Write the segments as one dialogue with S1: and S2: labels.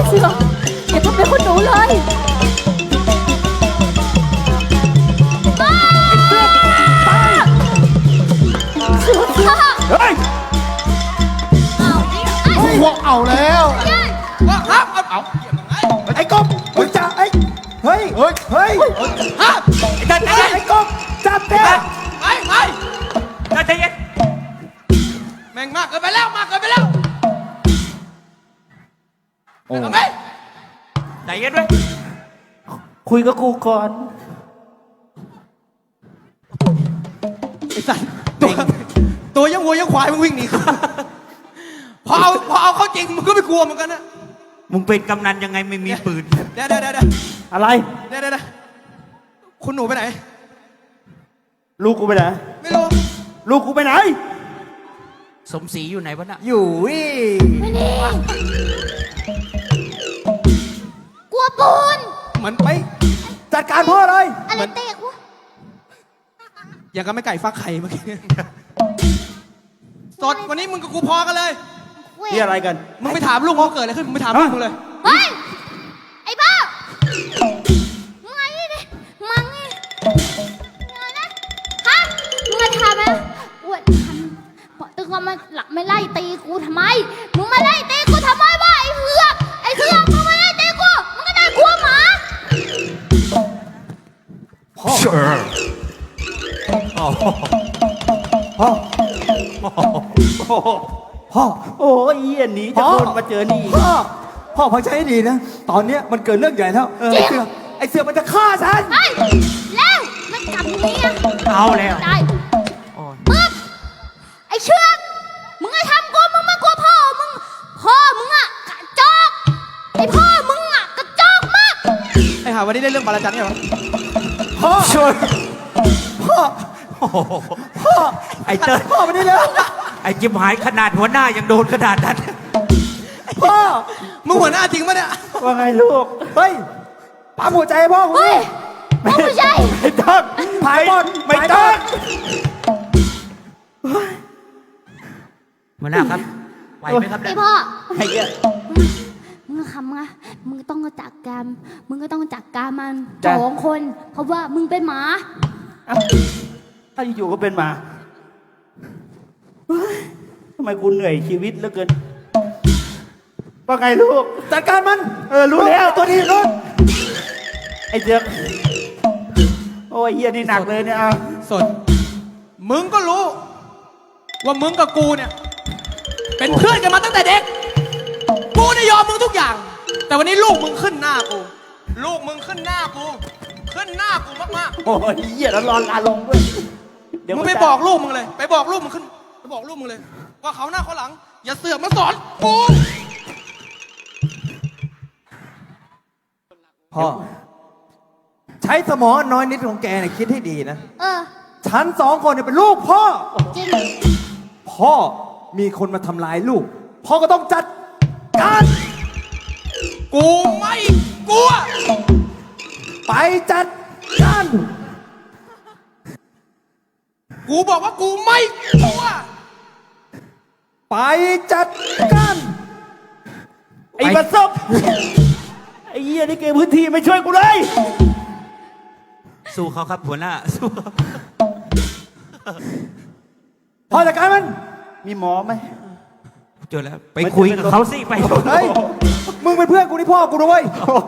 S1: เสืออย่าทำอะไรคุณหนูเลยเสือ
S2: เฮ้ยพวกเอาแล้ว
S3: ว่าครับเอา
S2: ไอ้กบมึงจับเฮ้ย
S3: ฮะ
S2: ไอ้กบจับเต้
S3: ไปใจเย็นแม่งมากเกินไปแล้วทำไมใจเย็นด้วย
S2: คุยกับกูก่อน
S3: ไอ้สัตว์ตัวยังวัวยังควายมึงวิ่งหนีพอเอาเข้าจริงมึงก็ไม่กลัวเหมือนกันนะ
S4: มึงเป็นกำนันยังไงไม่มีปืน
S3: เดี๋ยว
S2: อะไร
S3: เดี๋ยวคุณหนูไปไหน
S2: ลูกกูไปไหน
S3: ไม่รู้
S2: ลูกกูไปไหน
S4: สมศรีอยู่ไหนวะน่ะ
S3: อยู่
S1: ไม่นี่กลัวปูน
S3: เหมือนไป
S2: จัดการพ่อเลย
S1: อะไรเตะวะ
S3: อย่างกับไม่ไก่ฟักไข่เมื่อกี้สดวันนี้มึงกับกูพอกันเลย
S2: นี่อะไรกัน
S3: มึงไปถามลูกเขาเกิดอะไรขึ้นมึงไปถามลูกมึงเลย
S1: เฮ้ยไอ้บ้ามึงไงนี่มึงไงนะฮะมึงมาทำไหมอวดทำบอกตึงว่ามาหลักไม่ไล่ตีกูทำไมมึงมาไล่ตีกูทำไมวะไอ้เสือกมึงมาไล่ตีกูมึงก็ได้กลัวหมา
S2: พ่อโอ้ยเหี้ยหนีจะโดนมาเจอนี่พ่อฟังใจให้ดีนะตอนนี้มันเกิดเรื่องใหญ่แล้วไอ้เสือมันจะฆ่าฉัน
S1: แล้วมันกลับเมีย
S4: เอาแล้ว
S1: ได้มึงไอ้เชือกมึงไอ้ทำกูมึงมากลัวพ่อมึงอะกระจอกไอ้พ่อมึงอะกระจอกมาก
S3: ไอ้ห่าวันนี้ได้เรื่องบาลาจันเหรอ
S2: พ่อช่วยพ่อ
S4: ไอ้เติ้ล
S2: พ่อไม่ได้เลย
S4: ไอ้จิบหายขนาดหัวหน้ายังโดนขนาดนั้น
S2: พ่อ
S3: มึงหัวหน้าจริงปะเนี่ย
S2: ว่าไงลูกเฮ้ยปั๊มหัวใจพ่อกู
S1: ไม่ใช่
S2: ไม่ต้องผายบอลไม่ต้อง
S4: หัวหน้าครับไหวไหมครับ
S1: ไอพ่อ
S2: ไอ้เหี้ย
S1: มึงทำไงมึงต้องจัดการมัน2 คนเพราะว่ามึงเป็นหมา
S2: ถ้าอยู่ก็เป็นหมาทำไมกูเหนื่อยชีวิตเหลือเกินว่าไงลูกจัดการมันรู้แล้วตัวนี้รู้ไอ้เจ๊กโอ้ยเฮียนี่หนักเลยเนี่ย
S3: สดมึงก็รู้ว่ามึงกับกูเนี่ยเป็นเพื่อนกันมาตั้งแต่เด็กกูได้ยอมมึงทุกอย่างแต่วันนี้ลูกมึงขึ้นหน้ากูมากๆ
S2: โอ้ยเฮียแล้วรอนลาลงด้วย
S3: มึงไปบอกลูกมึงเลยไปบอกลูกมึงเลยว่าเขาหน้าเขาหลังอย่าเสือกมาสอนกู
S2: พ่อใช้สมองน้อยนิดของแกเนี่ยคิดให้ดีนะฉัน2 คนเนี่ยเป็นลูกพ่อ
S1: จริง
S2: พ่อมีคนมาทำร้ายลูกพ่อก็ต้องจัดการ
S3: กูไม่กลัว
S2: ไปจัดการ
S3: กูบอกว่ากูไม่กลัว
S2: ไปจัดการไอ้บัสซบไอ้เหี้ยนี่เกมพื้นที่ไม่ช่วยกูเลย
S4: สู้เขาครับหัวหน้าสู้
S2: พอจัดการมันมีหมอไหม
S4: เจอแล้วไปคุยกับเขาสิไป
S2: เฮ้ยมึงเป็นเพื่อนกูนี่พ่อกูด้วย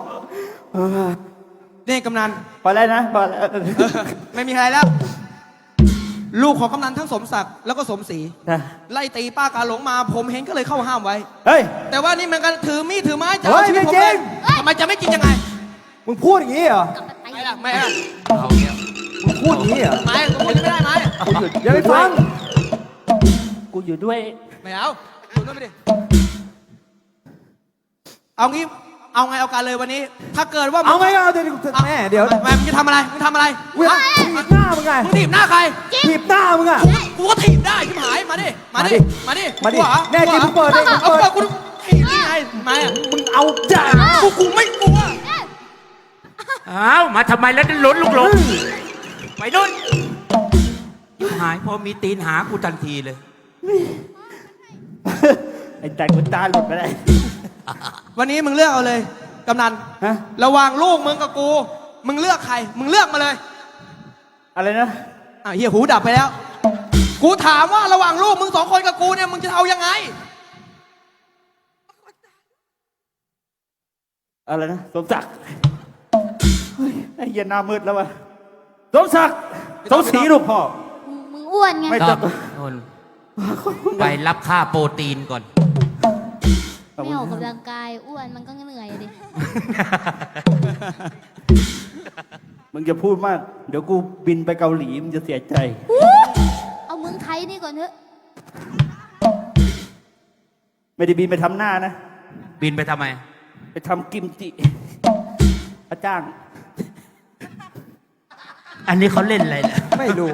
S3: นี่กำนัน
S2: พอแล้วนะพอแล้ว
S3: ไม่มีอะไรแล้วลูกของกำนันทั้งสมศักดิ์แล้วก็สมศรีไล่ตีป้ากาหลงมาผมเห็นก็เลยเข้าห้ามไว้แต่ว่านี่มันกันถือมีดถือไม้จะเอาชีวิตผมเองทำไมจะไม่กินยังไง
S2: มึงพูดอย่างนี้เหรอ
S3: ไม่
S2: มึงพูดอย่างนี้เหรอ
S3: ไม่กูพูดไม่ได้ไหม
S2: กูหยุดอย่าไปฟังกูอยู่ด้วย
S3: ไม่เอาคุณต้องไปดิเอาไงเอาการเลยวันนี้ถ้าเกิดว่า
S2: เอาไงเอาเดี๋ยวแม่เดี๋ยว
S3: มึงจะทำอะไรถีบหน้า
S2: มึงไง
S3: มึงถีบหน้าใคร
S2: ถีบหน้ามึงอ่ะ
S3: กูก็ถีบได้ชิบหายมาดิ
S2: แน่จริงมึงเปิดดิ
S3: เอาเปิดกูถีบนี่ไงมาอ่ะ
S2: มึงเอาจ้า
S3: กูไม่กลัว
S4: อ้าวมาทำไมแล้วหล่นลูกหลงไปนู่นหายพอมีตีนหากูทันทีเลย
S2: ไอ้แต่กูตาหลุดไปได้
S3: วันนี้มึงเลือกเอาเลยกำนัน
S2: ฮะ
S3: ระหว่างลูกมึงกับกู มึงเลือกใคร มึงเลือกมาเลย
S2: อะไรนะ
S3: อ้าวเฮียหูดับไปแล้ว กูถามว่าระหว่างลูกมึง2 คนกับกูเนี่ยมึงจะเอายังไง
S2: อะไรนะสมศักดิ์เฮ้ยไอ้เหี้ยหน้ามืดแล้ววะสมศักดิ์สมศรีลูกพ่อ
S1: มึงอ้วนไง
S2: ไม่
S4: ต้องโน่นไปรับค่าโปรตีนก่อน
S1: ไม่ออกกำลังกายอ้วนมันก็เหนื่อยอะดิ
S2: มึงจะพูดมาก เดี๋ยวกูบินไปเกาหลีมึงจะเสียใจ
S1: เอาเมืองไทยนี่ก่อนเถอะ
S2: ไม่ได้บินไปทำหน้านะ
S4: บินไปทำไม
S2: ไปทำกิมจิพระจ้าง
S4: อันนี้เขาเล่นอะไรเนี่ย
S3: ไม่รู้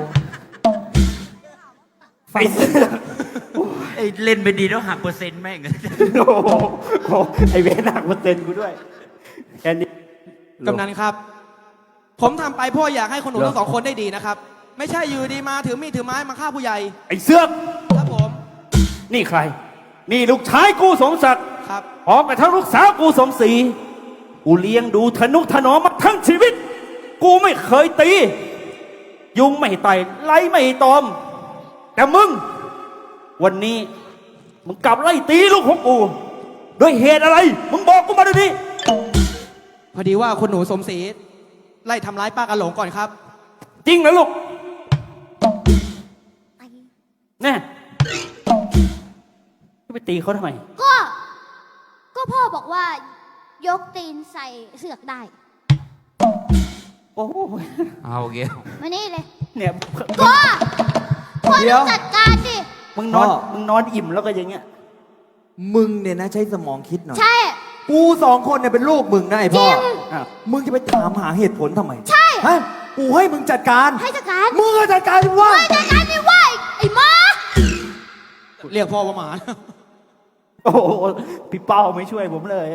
S2: ไอ้เสื้อ
S4: ไอ้เล่นไปดีแล้วหักเปอร์เซ็นต์แม่ง
S2: โอ้โหไอ้เวรหนักมาเต็นกูด้วย แค่นี้
S3: กำนันครับ ผมทำไปเพ่ออยากให้คนหนูทั้ง 2 คนได้ดีนะครับ ไม่ใช่อยู่ดีมาถือมีดถือไม้มาฆ่าผู้ใหญ่
S2: ไอ้เสื้อก
S3: ครับผม
S2: นี่ใคร นี่ลูกชายกูสมศักดิ์
S3: ครับ
S2: พร้อมกับทั้งลูกสาวกูสมศรีกูเลี้ยงดูทนุถนอมมาทั้งชีวิต กูไม่เคยตี ยุงไม่ไต่ไล่ไม่ตอม แต่มึง วันนี้มึงกลับไล่ตีลูกของกูด้วยเหตุอะไร มึงบอกกูมาเดี๋ยวนี้
S3: พอดีว่าคนหนูสมศรีไล่ทำร้ายป้ากาหลงก่อนครับ
S2: จริงนะลูก
S1: ไอ้
S2: แน่จะไปตีเขาทำไม
S1: ก็พ่อบอกว่ายกตีนใส่เสือกได้
S2: โอ้โห
S4: เอาเกี้ยว
S1: มานี่เลย
S2: เนี่ย
S1: พ่อพ่อ
S3: เดี๋
S1: ต้
S3: ย
S1: อ
S3: ว
S1: งจัดการดิ
S2: มึงนอน
S5: พ่อ
S2: มึงนอนอิ่มแล้วก็อย่างเงี้ย
S5: มึงเนี่ยนะใช้สมองคิดหน่อย
S1: ใช่
S5: กู2 คนเนี่ยเป็นลูกมึงนะไอ้
S1: จ
S5: พ่
S1: ริ
S5: อ
S1: ง
S2: อ้าว
S5: มึงจะไปถามหาเหตุผลทำไม
S1: ใช่
S5: ฮะกูให้มึงจัดการ
S1: ให้จัดการ
S5: มึงก็จัดการดิว่า
S1: ให้จัดการดิว่าไอ้หมา
S3: เรียกพ่อว่าหมา
S2: โอ้โหพี่เป้าไม่ช่วยผมเลย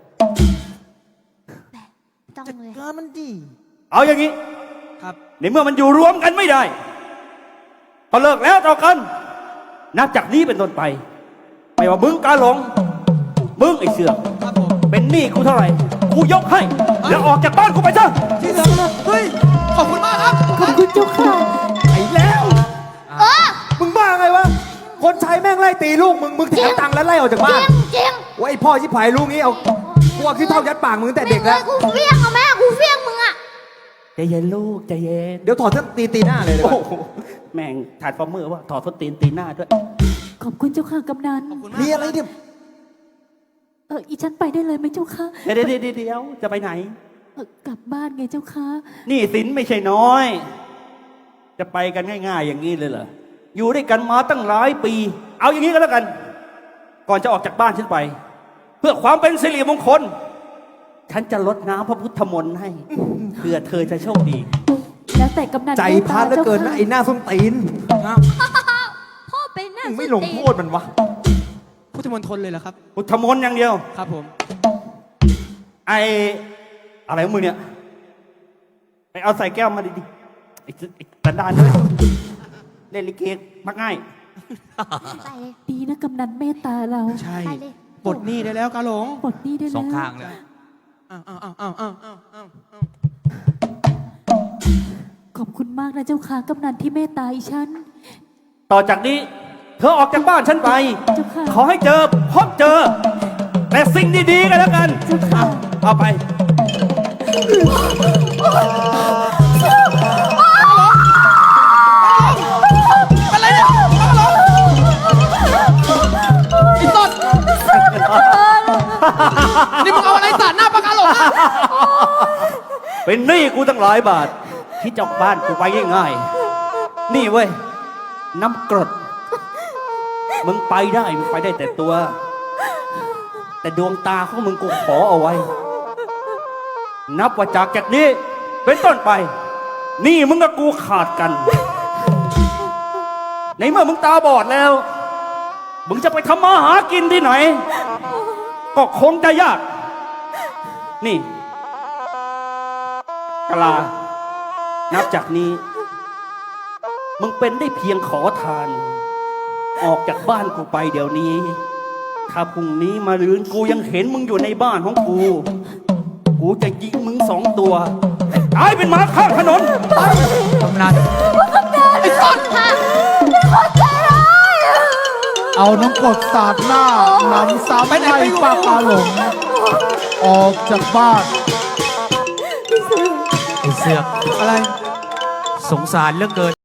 S1: ต้องเลย
S5: การมันดี
S2: เอาอย่างนี้
S3: ครับ
S2: ในเมื่อมันอยู่รวมกันไม่ได้ก็เลิกแล้วต่อกัน นับจากนี้เป็นต้นไป ไม่ว่ามึงกาหลง มึงไอ้เสือก
S3: ครับผม
S2: เป็นหนี้กูเท่าไหร่ กูยกให้ แล้วออกจากบ้านกูไปซะ
S3: ที่เหลือเฮ้ย ขอบคุณมากครับ
S5: ขอบคุณเจ้าค่ะไอ้แล้ว
S1: เออ
S5: มึงบ้าไงวะ คนใช้แม่งไล่ตีลูกมึงแถมตังค์แล้วไล่ออกจาก
S1: จ
S5: บ้า
S1: ริ
S5: น
S1: งจริง
S5: ว่าไอ้พ่อชิบหายลูกนี้เอาพวกที่เท่ายัดปากมึงตั้งแต่เด็กแล้ว
S1: กูเฟี้ยงเอาแม่กูเฟี้ยงมึงอะ
S2: ใจเย็นลูกใจเย็น
S5: เดี๋ยวถอดเสื้อตีหน้าเลยเลย
S2: โอ้โหแม่งถาดฟอร์เมอร์ว่าถอดส้นตีนตีหน้าด้วย
S6: ขอบคุณเจ้าค่ะกำนัน
S3: ขอบคุณมาก
S5: มีอะไรเนี่ย
S6: อีฉันไปได้เลยไหมเจ้าค่ะ
S2: เดี๋ยวจะไปไหน
S6: กลับบ้านไงเจ้าค่ะ
S2: นี่สินไม่ใช่น้อย จะไปกันง่ายๆอย่างนี้เลยเหรอ อยู่ด้วยกันมาตั้งหลายปี เอาอย่างนี้ก็แล้วกัน ก่อนจะออกจากบ้านฉันไป เพื่อความเป็นสิริมงคล ฉันจะลดน้ำพระพุทธมนต์ให้ เพื่อเธอจะโชคดี
S6: แล้วแต่กำนัน
S5: ใจพาดเหลือเกินนะไอ้หน้าส้นตีน
S1: พ่อเป็นหน้า
S5: มึงไม่
S1: ส้น
S5: ลง
S1: ตีน
S5: โทษมันวะ
S3: พุทธมณฑลเลยเหรอครับ
S2: พุทธมนต์อย่างเดียว
S3: ครับผม
S2: ไออะไรของมึงเนี่ยไปเอาใส่แก้วมาดิไอ้ตันดานด้วยเล่นลิเกมักง่าย
S1: ไปเลย
S6: ดีนะกำนันเมตตาเรา
S3: ใช่
S1: ไปเลย
S3: ปลดหนี้ได้แล้วกาหลง
S6: ปลดหนี้ได้
S4: ส
S6: แล้
S4: อง
S6: ว
S4: ข้างเลย
S3: อ้าวอ้าวอ้าวอ้าวอ้าวอ้าวอ้าว
S6: ขอบคุณมากนะเจ้าค่ะกำนันที่เมตตาอีฉัน
S2: ต่อจากนี้ เธอออกจากบ้านฉันไป
S6: เจ้าค่ะ
S2: ขอให้เจอพบเจอ แต่สิ่งดีๆกันแล้วกัน
S6: เจ้าค่ะ
S2: เอาไป
S3: อะไรเนี่ยกาหลงไอ้ต้นนี่มึงเอาอะไรสาดหน้าปากกาหลงอะ
S2: เป็นหนี้กูตั้งหลายบาท ที่จะบ้านกูไปง่ายๆนี่เว้ย น้ำกรด มึงไปได้ มึงไปได้แต่ตัว แต่ดวงตาของมึงกูขอเอาไว้ นับว่าจากนี้ เป็นต้นไป นี่มึงกับกูขาดกัน ในเมื่อมึงตาบอดแล้ว มึงจะไปทำมาหากินที่ไหน ก็คงจะยาก นี่กะลา นับจากนี้ มึงเป็นได้เพียงขอทาน ออกจากบ้านกูไปเดี๋ยวนี้ถ้าพรุ่งนี้มารืนกูยังเห็นมึงอยู่ในบ้านของกู กูจะยิงมึง2 ตัวตายเป็นหมาข้างถนน
S4: กำนัน
S3: ไอ้สัตว์
S5: เอาน้ำกรดสาดหน้านำซ้ำไล่ป้ากาหลง ออกจากบ้าน
S4: ไอ้เสือก
S3: อะไร
S4: สงสารเหลือเกิน